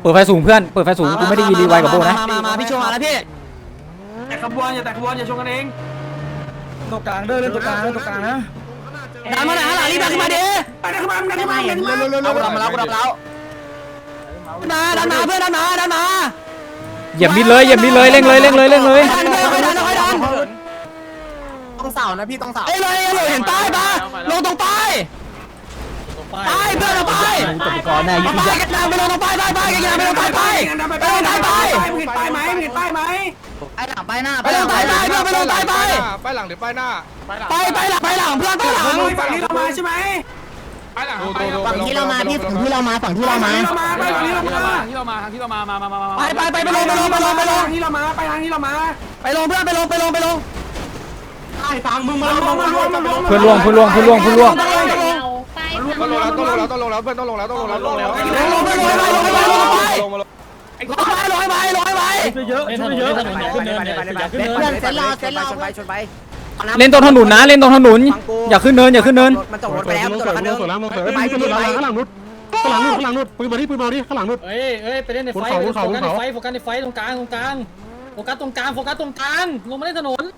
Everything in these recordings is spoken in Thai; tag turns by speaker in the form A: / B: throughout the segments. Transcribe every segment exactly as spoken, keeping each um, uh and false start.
A: เปิดไฟสูงเพื่อนเปิดไฟสูงกูไม่ได้ยินรีไวกับโบนะ
B: มามามาพี่ชงมาแล้วพี่
C: แต่ขบวนอย่าแต่ขบวนอย่าชงกันเอง
D: ตกกลางเด้อเล่นตกกลางเล่นตกกลางนะ
B: ดันมาหน่อยฮะหลังรีบดันมาดิ
C: ไปดันมาดันมาดันมาเร็วเร็วเร็ว
B: ดันมาแล้วดันมาแล้วดันมาดันมาเพื่อนดันมาดันมา
A: เหยียบมิดเลยเหยียบมิดเลยเร่งเลยเร่งเลยเร่งเลย
B: ดันเลยดันเลยดัน
D: ต้องเสานะพี่ต้องเสา
B: เอ้ยเลยเลยเห็นป้ายปะลงตรงป้ายป้ายเพื่อนเราป้ายก่อนแน่ยิ่งป้ายกันไปลงตรงป้ายป้ายป้ายกันไปลงป้ายป้ายไปลงป้ายป้าย
C: เห็นป้ายไหมเห็นป้ายไหม
D: ไปหลังไปหน้า
B: ไปลงป้ายป้ายเพื่อนไปลงป้ายป้าย
E: ไปหลังหรือไปหน้า
B: ไปไปหลังไปหลังเพื่อนไปหลัง
C: ฝั่งนี้เรามาใช่ไหม
E: ไปหลัง
D: ฝั่งที่เรามาพี่ฝั่งที่เรามาฝั่งที่เรามา
C: ไปฝั่งนี้เรามา
E: ที่เรามาที่เรามามามามามา
B: ไปไปไปไปลงไปลงไปลงไปลง
C: ที่เรามาไปทางที่เรามา
B: ไปลงเพื่อนไปลงไปลงไปลง
C: ไอ้ฟังมึงมาลงมาลงมาลง
A: เพื่อนล่วงเพื่อนล่วงเพื่อนล่วงเพื่อนล่วง
E: ต้องลงแล้วต้องลงแล้วต้องลงแล้วเพื่อนต้องลงแล้วต้องลงแล้วต้องลงแล้ว
B: ลงไปลงไปลงไปลงไปลงไปลงไปลงไปลงไป
D: เยอะเยอะขึ้นเนินขึ้นเนินเพื่อนเซนรอเซนรอชนไปชนไป
A: เล่นตรงถนนนะเล่นตรงถนนอย่าขึ้นเนินอย่าขึ้นเนิน
D: มันตกรถไปแล้วมันตกรถคันนึง
F: สวนแล้วมึงเปิดไปข้างหลังนุดข้างหลังนุดข้างหลังนุดปืนมาดิปืนมาดิข้างหลังนุด
G: เอ้ยเอ้ยไปเล่นในไฟโฟกัสในไฟโฟกัสในไฟตรงกลางตรงกลางโฟกัสตรงกลางโฟกัสตรงกลางลงมาเล่นถนน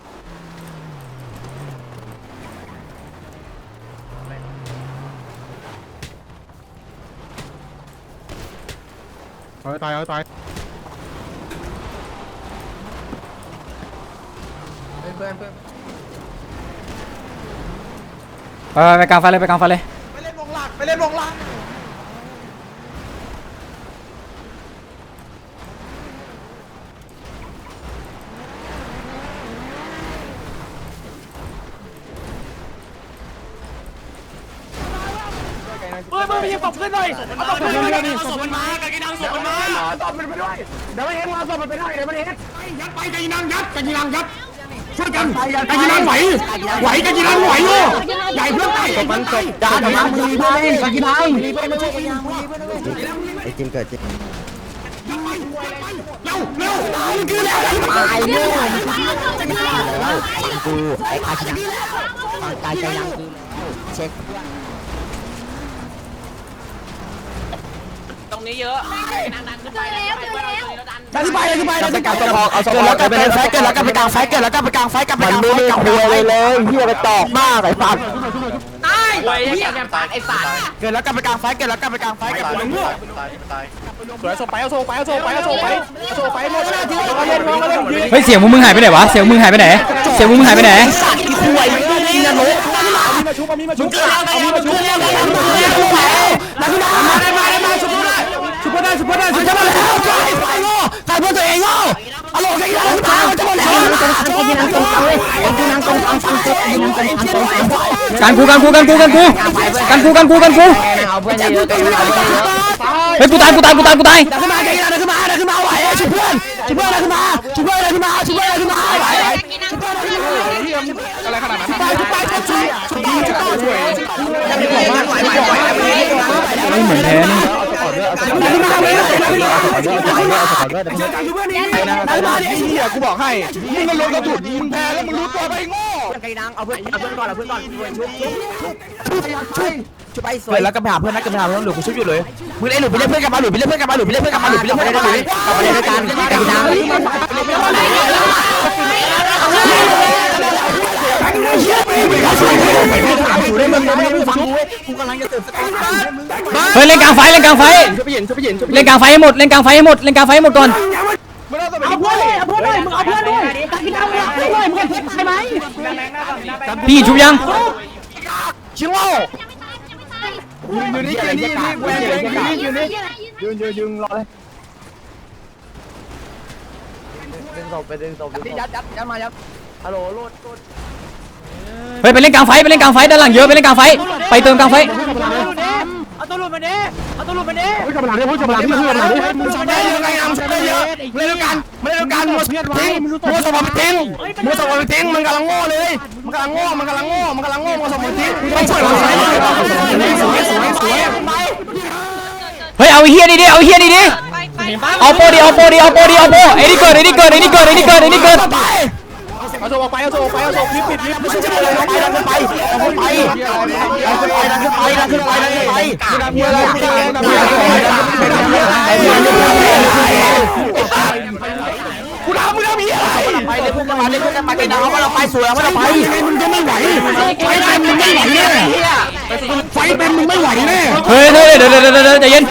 F: เอาตายเอาตาย
D: เพื่อนเพื่อน
A: เออไปกลางไฟเลยไปกลางไฟเลย
C: ไปเล่นวงหลักไปเล่นวงหลักเฮ้ยมึงไปยิงตบขึ้นหน่อยเอาตบขึ้นหน่อยเอาศพมันมากากินังศพมันมาตบมันไปด้วยเดี๋ยวไม่เห็นว่าศพมันไปได้เดี๋ยวไม่เห็นยัดไปกากินังยัดกากินังยัดช่วยกันกากินังไหวไหวกากินังไหวโย่ใหญ่เพื่อนไป
D: ตบมันตบด่าด่ามือเพื่อนเล่นกากินังไอ้จิมเกิดจิม
C: เร็วเร็วคือแล้ว
D: ตายเร็วกูไอ้กากินังกากินังเช็ค
B: ตรงนี้เยอะดันขึ้นไป
C: ดันขึ้นไปดันขึ้นไปดันขึ้นไป
B: เอาสปอร์ตไปเป็นไฟเกิดแล้วก็ไปกลางไฟเกิดแล้วก็ไปกลางไฟกับไปกลางไฟกับไป
D: เลยเลยเฮียไปตอกมากไอ้สัตว์
B: ตายเฮียแปดไอ้สัตว์เกิดแล้วก็ไปกลางไฟเกิดแล้วก็ไปกลางไฟกับไปมั่ว
E: สวยโซไปเอาโซไปเอาโซไปเอาโซไปเอาโซไปหมดเลย
A: เฮ้ยเสียงมึงมึงหายไปไหนวะเสียงมึงหายไปไหนเสียงมึงมึงหายไปไหน
B: สัตว์ที่คุยนี่นะลูก
E: มาชุบมีมาชุบ
B: เอามีมาชุบเรียกอะไรมาเรียกลูกแม่มาขึ้นมาได้มาได้มาชุบได้ชุบได้ชุบได้ชุบได้แล้วใครไฟโง่ใครเพื่อตัวเองโง่อารมณ์กันยังตายจะหมดแล้ว
D: กินังตรงกลางเลยกินังตรงกลางฟังกูกินังตรงกลางตรงกลาง
A: การกูการกูการกูการกูการกูการกูการกู
D: เอาเพื่อนเยอะ
A: เฮ้ยกูตายกูตายกูตายกูตาย
B: ดันขึ้นมาดันขึ้นมาดันขึ้นมาไหวชุบเพื่อนชุบเพื่อนดันขึ้นมาชุบเพื่อนดันขึ้นมาชุบเพื่อนดันขึ้นมาไหวชุบเพื่อนดันขึ้นมา
E: อะไรขนาดนั้น
B: ไปชุบไปชุบชุบชุบชุบ
A: ไม่เหมือนแพ้นี่
E: กูบอกให้มึงก็ลงกระสุนมึงแพ้แล้วมึงรู้ตัวไปโง่
D: ไก่นางเอาเพื่อนเอาเพื่อนก่อนเอาเพื่อนก่อนชุบชุบชุบชุบชุบไปสวย
B: เพื่อนแล้วก็ไปหาเพื่อนนะก็ไปหาเพื่อนหลุดกูชุบอยู่เลยมึงไอ้หลุดไปเรียกเพื่อนกลับมาหลุดไปเรียกเพื่อนกลับมาหลุดไปเรียกเพื่อนกลับมาหลุดไปเรียกเพื่อนกลับมาหลุดกลับมาเรียกด้วยกันไก่นาง
A: เฮ้ยเล่นกลางไฟเล่นกลางไฟเล่นกลางไฟให้หมดเล่นกลางไฟให้หมดเล่นกลางไฟให้หมดก่อน
C: เอาเพื่อนเลยเอาเพื่อนเลยมึงเอาเพื่อนด้วยกากินังเอาเพื่อนเลยมึงเห็นเพื่อนตายไหม
A: พี่ชุบยัง
B: ชิโร่
E: อยู่นี่อยู่นี่อยู่นี่อยู่นี่ยืนยืนยืนรอเลย
D: ดึงศพไปดึงศพยัดยัดยัดมายัดฮัลโหลโลดโลด
A: เฮ้ยไปเล่นกลางไฟไปเล่นกลางไฟด้านหลังเยอะไปเล่นกลางไฟไปเติมกลางไฟ
B: เอาตัวหลุดมาดิเอาตัวหลุดมาดิ
F: เฮ้ยกำลังดิเฮ้ยกำลังดิเฮ้ยกำลังดิ
B: มึงชอบได้ยังไงอ่ะมึงชอบได้เยอะมาเล่นด้วยกันมาเล่นด้วยกันมัวทิ้งมัวสมองไปทิ้งมัวสมองไปทิ้งมันกำลังโง่เลยมันกำลังโง่มันกำลังโง่มันกำลังโง่มัวสมองไปทิ้งไม่ช่วยมันสวยสวยสวยสวย
A: เฮ้ยเอาไอ้เฮียดิดิเอาไอ้เฮียดิดิเอาโปดิเอาโปดิเอาโปดิเอาโปไอ้นี่เกิดไอ้นี่เกิดไอ้นี่เกิดไอ้นี่เกิดไอ้นี่เกิด
E: เอาโซไปเอาโซไปเอาโซลิฟต์ปิดลิฟต์ไม่ใช่อะไร
B: ดันขึ้นไปดันขึ้นไปดันขึ้นไปดันขึ้นไปดันขึ้นไปดันขึ้นไปดันขึ้นไปดันขึ้นไปดันขึ้นไปดันขึ้นไป
D: เอามาเราไปสวยเอามาเราไป
C: มึงก็ไม่ไหวไฟเต็มมึงไม่ไหวแน่ไฟเต็มมึงไม่ไหวแน่
A: เฮ้ยเฮ้ยเดี๋ยวเดี๋ยวเดี๋ยวใจเย็น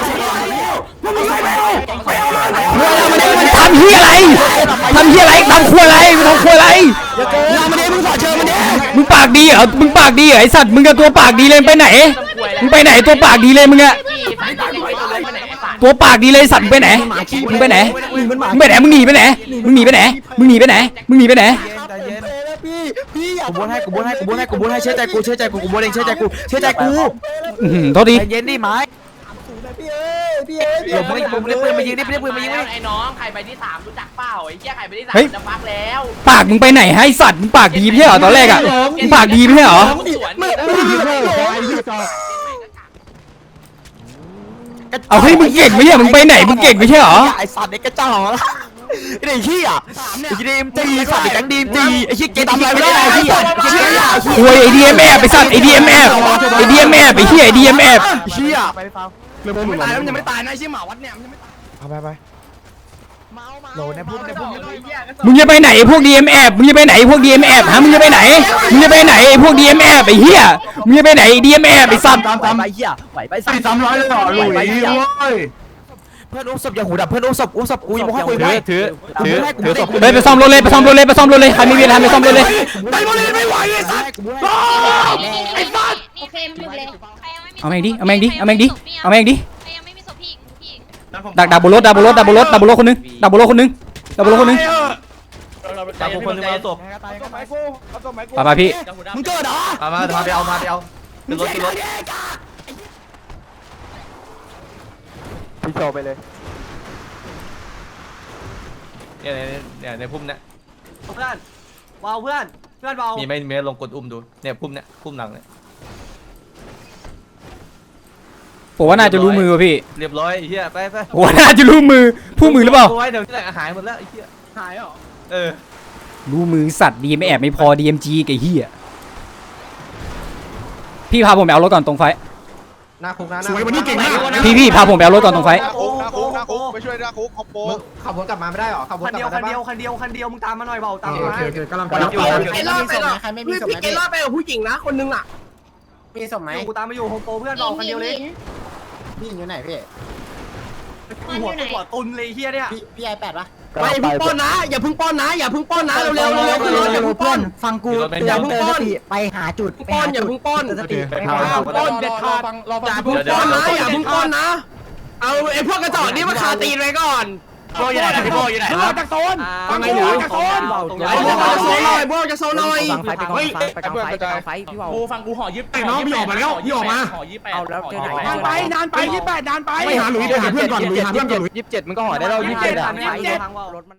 A: ทำเฮียอะไรทำเฮียอะไรทำครัวอะไรมึงทำครัวอะไร
B: เรามาดิมึงสอดเชิญมันดิ
A: มึงปากดีเหรอมึงปากดีเหรอไอสัตว์มึงกับตัวปากดีเลยไปไหนมึงไปไหนตัวปากดีเลยมึงอะตัวปากดีเลยสัตว์มึงไปไหนมึงไปไหนมึงไปไหนมึงหนีไปไหนมึงหนีไปไหนมึงหนีไปไหนมึงหนีไปไหน
B: พี่พี่อย่า
D: กูบนให้กูบนให้กูบนให้กูบนให้เชื่อใจกูเชื่อใจกูกูบนเองเชื่อใจกูเชื่อใจกู
A: อื้อหือโทษที
D: ใจเย็นดิไม้
B: พี่เอ้ยพี่เอ้ยพี่
D: เดี๋ยวมึงมึงเล่นปืนมายิงดิเล่นปืนมายิงดิ
H: ไอ้น้องใครไปที่สามรู้จักเปล่าไอ้เหี้ยใครไปที่สามจะฟักแล้ว
A: ปากมึงไปไหนให้สัตว์มึงปากดีไม่ใช่เหรอตอนแรกอะมึงปากดีไม่ใช่เหรอ
H: สวน
B: มึง
C: ไอ้เหี้ยไอ้เหี้ยจอ
A: เอาให้มึงเก่งไม่ใช่มึงไปไหนมึงเก่งไม่ใช่เหรอ
D: ไอ้สัตว์ไอ้กระจอกไอ้เหี้ยไอ้ดีมตีสัตว์ไอ้แก๊งดีมตีไอ้เหี้ยเกตทำอะไรไม่ได้ไอ้เหี้ย
A: โวยไอดีเอ็มแอบไปสัตว์ไอดีเอ็มแอบไอดีเอ็มแอบไอเหี้ยไอดีเอ็มแอบ
D: เหี้ย
C: เรื่องพวกมึ
B: ไม่
C: ง
B: ตายแล้วมันยังไม่ตายนะไอ้เชี่ยหมาวัดเนี่ยมันยังไม่
C: เอาไปไป
D: โหลในพุ่มในพุ่ม
A: มึงจะไปไหนไอพวกดีเอ็มแอบมึงจะไปไหนไอพวกดีเอ็มแอบฮะมึงจะไปไหนมึงจะไปไหนไอพวกดีเอ็มแอบไอเหี้ยมึงจะไปไหนดีเอ็มแอบไอสัตว์
D: ตามตามไอ้เหี้ยไหวไปสัตว์
C: สามร้อยเลยต่อหลุยเว้ย
D: เพื่อนอุ้มศพอย่าหูดับเพื่อนอุ้มศพอุ้มศพกูยังบอกให้คุยให้ถือถือถือศพ
A: เฮ้ยไปซ่อมรถเลยไปซ่อมรถเลยไปซ่อมรถเลยใครไม่มีอะไรไปซ่อมรถเลย
B: ไปบอลเลยไม่ไหวไอ้สัส
E: ไอ้บ้านโอเคมันเลย
A: เอาแม่งดิเอาแม่งดิเอาแม่งดิเอาแม่งดิ
E: ใครยังไม่มีศพพี่พี่
A: ดักดักบนรถดักบนรถดักบนรถดักบนรถคนนึงดักบนรถคนนึงดักบนรถคนนึง
H: ตามคนนึงเอาศพ
A: ไปไปพี่
B: มึงเกิดเหรอ
H: มามามาไปเอามาไปเอาขึ้นรถขึ้นรถ
D: พี่โชว์ไปเลย
H: เนี่ยเนี่ยในพุ่มเนี่ย
D: เพื่อนเบาเพื่อนเพื่อนเบา
H: มีไหมมีลองกดอุ้มดูเนี่ยพุ่มเนี่ยพุ่มหลังเนี่ย
A: ผมว่าน่าจะรู้มือว่ะพี่
H: เรียบร้อยไอ้เหี้ยไปไป
A: ผมว่าน่าจะรู้มือผู้มือหรือเปล่า
H: ไว้เดี๋ยวที่ไหนหายหมดแล้วไอ้เหี้ย
B: หายเหรอ
H: เออ
A: รู้มือสัตว์ดีไม่แอบไม่พอดีเอ็มจีไอ้เหี้ยพี่พาผมไปเอารถก่อนตรงไฟ
H: หน้าคุกนะ
C: สวยวันนี้เก่งมาก
A: พี่พี่พาผมไปเอารถก่อนตรงไฟ
D: คุกนะคุกนะคุกไปช่วยนะคุกคอมโบ
H: ขับวนกลับมาไม่ได้หรอขับวน
D: คัน
H: กลับ
D: เดียว
H: มา
D: คันเดียวคันเดียวคันเดียวมึงตามมาหน่อยเบาตาม
C: โอ
D: มา
C: เคโอเคกำลังไป
B: พี่เกล่าไปเหรอพี่เกล่าไปกับผู้หญิงนะคนนึงอ่ะ
H: มีศพไหม
D: กูตามมาอยู่โฮมโปรเพื่อนเบาคันเดียวเลย
H: พี่อยู่ไหนพี่
D: หัวหัวตุนเลยเฮียเนี่ย
H: พี่พี่ไอแปดปะ
B: ไปพึ่งป้อนนะอย่าพึ่งป้อนนะอย่าพึ่งป้อนนะเร็วเร็วเร็วขึ้นรถอย่าพึ่งป้อน
H: ฟังกู
B: อย่าพึ่งป้อน
H: ไปหาจุด
B: ป้อนอย่าพึ่งป้อน
H: สติ
C: ไป
B: ป้อนเด็ดขาดอย่าพึ่งป้อนนะอย่าพึ่งป้อนนะเอาไอ้พวกกระจอกนี่มาคาตีนไว้ก่อนโบอยู่ไหนพี่โบอยู่ไหนครับจากโซนฟังไงหนูจากโซนไอ้พวกจะโซนหน่อยพวกจะโซนหน่อย
D: ฟังไฟไปก่อนไปก่อนไฟไปก่อนไฟพี่เบา
H: กูฟังกูห่อยิบ
C: ไอ้น้องพี่ออกมาแล้วพี่ออกมา
H: ห่อยิบแปด
D: เอาแล้วเจอไหน
B: นานไปนานไปยี่แปดนานไป
C: ไปหาหลุยไปหาเพื่อนก่อนหลุยหาเพื่อนก่อนหลุย
D: ยี่สิบเจ็ดมึงก็ห่อได้แล้วยี่สิบเจ็ดอ่ะรถมัน